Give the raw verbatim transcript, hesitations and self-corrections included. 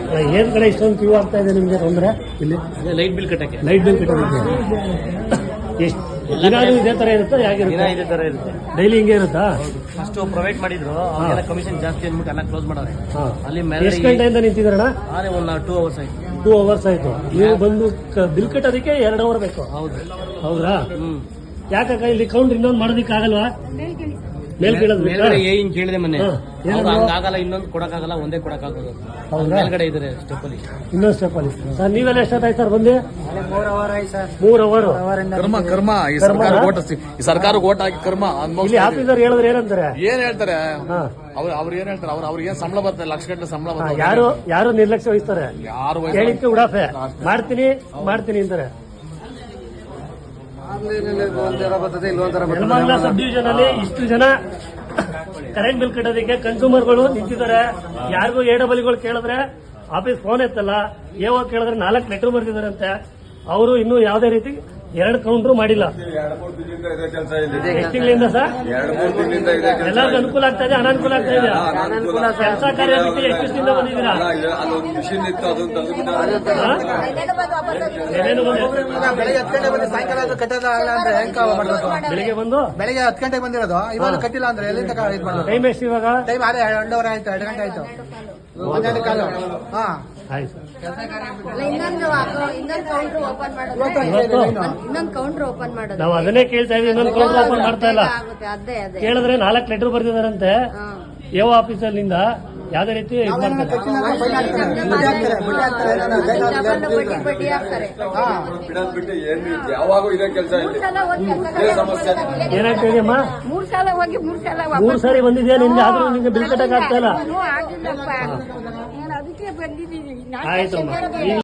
ಏನ್ ಕಡೆ ಇಷ್ಟೊಂದು ಕ್ಯೂ ಆಗ್ತಾ ಇದೆ ನಿಮ್ಗೆ ತೊಂದರೆ ಇಲ್ಲಿ? ಲೈಟ್ ಬಿಲ್ ಕಟ್ಟಕ್ಕೆ ಲೈಟ್ ಬಿಲ್ ಕಟ್ಟೋದಕ್ಕೆ ಎಷ್ಟು ದಿನಾನು ಇದೇ ತರ ಇರುತ್ತಾ? ದಿನ ಇದೇ ತರ ಇರುತ್ತೆ. ಡೈಲಿ ಹಿಂಗೆ ಇರುತ್ತಾ? ಫಸ್ಟ್ ಪ್ರೊವೈಡ್ ಮಾಡಿದ್ರು, ಅವಾಗೆಲ್ಲ ಕಮಿಷನ್ ಜಾಸ್ತಿ ಅಂದ್ಬಿಟ್ಟು ಎಲ್ಲ ಕ್ಲೋಸ್ ಮಾಡೋರೆ. ಅಲ್ಲಿ ಎಷ್ಟು ಗಂಟೆಯಿಂದ ನಿಂತಿದ್ರಣ? ಅದೇ ಒಂದು ಟೂ ಅವರ್ಸ್ ಆಯ್ತು. ಟೂ ಅವರ್ಸ್ ಆಯ್ತು. ನೀವು ಬಂದು ಬಿಲ್ ಕಟ್ಟೋದಕ್ಕೆ ಎರಡು ಅವರ್ ಬೇಕು. ಹೌದು. ಹೌದಾ? ಹ್ಮ್. ಯಾಕಕ್ಕ ಇಲ್ಲಿ ಕೌಂಟ್ ಇನ್ನೊಂದು ಮಾಡೋದಕ್ಕೆ ಆಗಲ್ವಾ? ಮೇಲ್ ಮೇಲ್ಗಡೆ ಏನ್ ಕೇಳಿದೆ ಮೊನ್ನೆ, ಹಂಗಾಗಲ್ಲ, ಇನ್ನೊಂದು ಕೊಡಕ್ಕಾಗಲ್ಲ, ಒಂದೇ ಕೊಡಕ್ಕಾಗೋದು. ಮೇಲ್ಗಡೆ ಇದ್ರೆ ಸ್ಟೆಪ್ ಅಲ್ಲಿ, ಇನ್ನೊಂದು ಸ್ಟೆಪ್ ಅಲ್ಲಿ. ಸರ್ ನೀವೆಲ್ಲ ಎಷ್ಟಾಯ್ತು ಸರ್ ಬಂದು? ಮೂರ್ ಅವರ್ ಆಯ್ತು ಸರ್. ಮೂರ್ ಅವರ್ ಕರ್ಮ ಕರ್ಮ ಈ ಸರ್ಕಾರ ಓಟ್ ಈ ಸರ್ಕಾರ ಓಟ್ ಹಾಕಿ ಕರ್ಮ. ಇಲ್ಲಿ ಆಫೀಸರ್ ಹೇಳಿದ್ರೆ ಏನಂತಾರೆ? ಏನ್ ಹೇಳ್ತಾರೆ ಅವ್ರು? ಅವ್ರು ಏನ್ ಹೇಳ್ತಾರೆ? ಅವ್ರು ಅವ್ರಿಗೆ ಏನ್ ಸಂಬಳ ಬರ್ತದೆ? ಲಕ್ಷ ಗಂಟೆ ಸಂಬಳ ಬರ್ತದೆ. ಯಾರು ಯಾರು ನಿರ್ಲಕ್ಷ್ಯ ವಹಿಸ್ತಾರೆ? ಯಾರು ಹೇಳಿಕ್ಕೆ ಉಡಾಫೆ ಮಾಡ್ತೀನಿ ಮಾಡ್ತೀನಿ ಅಂತಾರೆ. ನೆಲಮಂಗಲ ಸಬ್ ಡಿವಿಷನ್ ಅಲ್ಲಿ ಇಷ್ಟು ಜನ ಕರೆಂಟ್ ಬಿಲ್ ಕಟ್ಟೋದಕ್ಕೆ ಕನ್ಸ್ಯೂಮರ್ಗಳು ನಿಂತಿದ್ದಾರೆ. ಯಾರಿಗೂ ಎ ಡಬಲ್ಗಳು ಕೇಳಿದ್ರೆ ಆಫೀಸ್ ಫೋನ್ ಎತ್ತಲ್ಲ. ಏವೋ ಕೇಳಿದ್ರೆ ನಾಲ್ಕು ಲೆಟರ್ ಬರ್ತಿದಾರಂತೆ. ಅವರು ಇನ್ನೂ ಯಾವುದೇ ರೀತಿ ಎರಡು ಕೌಂಟ್ರು ಮಾಡಿಲ್ಲ. ಎಷ್ಟು ತಿಂಗಳಿಂದ ಸರ್? ಎಲ್ಲರಿಗೂ ಅನುಕೂಲ ಆಗ್ತಾ ಇದೆ, ಅನಾನುಕೂಲ ಆಗ್ತಾ ಇದೆ? ಕೆಲಸ ಕಾರ್ಯ ಬಿಟ್ಟು ಎಷ್ಟು ದಿನದಿಂದ ಬಂದಿದ್ದೀರಾ? ಏನೇನು ಬೆಳಿಗ್ಗೆ ಹತ್ತು ಗಂಟೆ ಬಂದು ಸಾಯಂಕಾಲ ಕಟ್ಟೋದ ಅಂದ್ರೆ ಹೆಂಗ್ ಮಾಡ್ಬೋದು? ಬೆಳಿಗ್ಗೆ ಬಂದು ಬೆಳಿಗ್ಗೆ ಹತ್ತು ಗಂಟೆಗೆ ಬಂದಿರೋದು, ಇವಾಗ ಕಟ್ಟಿಲ್ಲ ಅಂದ್ರೆ ಎಲ್ಲಿಂದ ಇದು ಮಾಡೋದು? ಟೈಮ್ ಎಷ್ಟು ಇವಾಗ? ಟೈಮ್ ಅದೇ ಎರಡೂವರೆ ಆಯ್ತು, ಎರಡು ಗಂಟೆ ಆಯ್ತು, ಹನ್ನೆರಡು ಕಾಲು. ಹಾ ಆಯ್ತು. ಇನ್ನೊಂದು ಇನ್ನೊಂದು ಕೌಂಟರ್ ಓಪನ್ ಮಾಡೋದು, ಇನ್ನೊಂದು ಕೌಂಟರ್ ಓಪನ್ ಮಾಡೋದು. ನಾವು ಅದನ್ನೇ ಕೇಳ್ತಾ ಇದೀವಿ. ಇನ್ನೊಂದು ಕೌಂಟರ್ ಓಪನ್ ಮಾಡ್ತಾ ಇಲ್ಲ. ಅದೇ ಅದೇ ಕೇಳಿದ್ರೆ ನಾಲ್ಕು ಲೆಟರ್ ಬರ್ತಿದಾರಂತೆ ಎ ಆಫೀಸಲ್ಲಿಂದ. ಯಾವುದೇ ರೀತಿ ಇದು ಮಾಡ್ತಾರೆ. ಬಡ್ಡಿ ಬಡ್ಡಿ ಹಾಕ್ತಾರೆ. ಯಾವಾಗೂ ಇದೇ ಕೆಲಸ. ಏನಾಗ್ತಾ ಇದೆಯಮ್ಮ? ಮೂರ್ ಸಲ ಹೋಗಿ ಮೂರ್ ಸಲ ಮೂರ್ ಸಾರಿ ಬಂದಿದ್ಯಾ ನಿನ್ಗೆ? ಆದ್ರೂ ನಿಮ್ಗೆ ಬಿಲ್ ಕಟ್ಟಕ್ ಆಗ್ತಾ ಇಲ್ಲ. ಆಗಿಲ್ಲಪ್ಪ, ನಾನು ಅದಕ್ಕೆ ಬಂದಿದ್ದೀನಿ. ಆಯ್ತಮ್ಮ.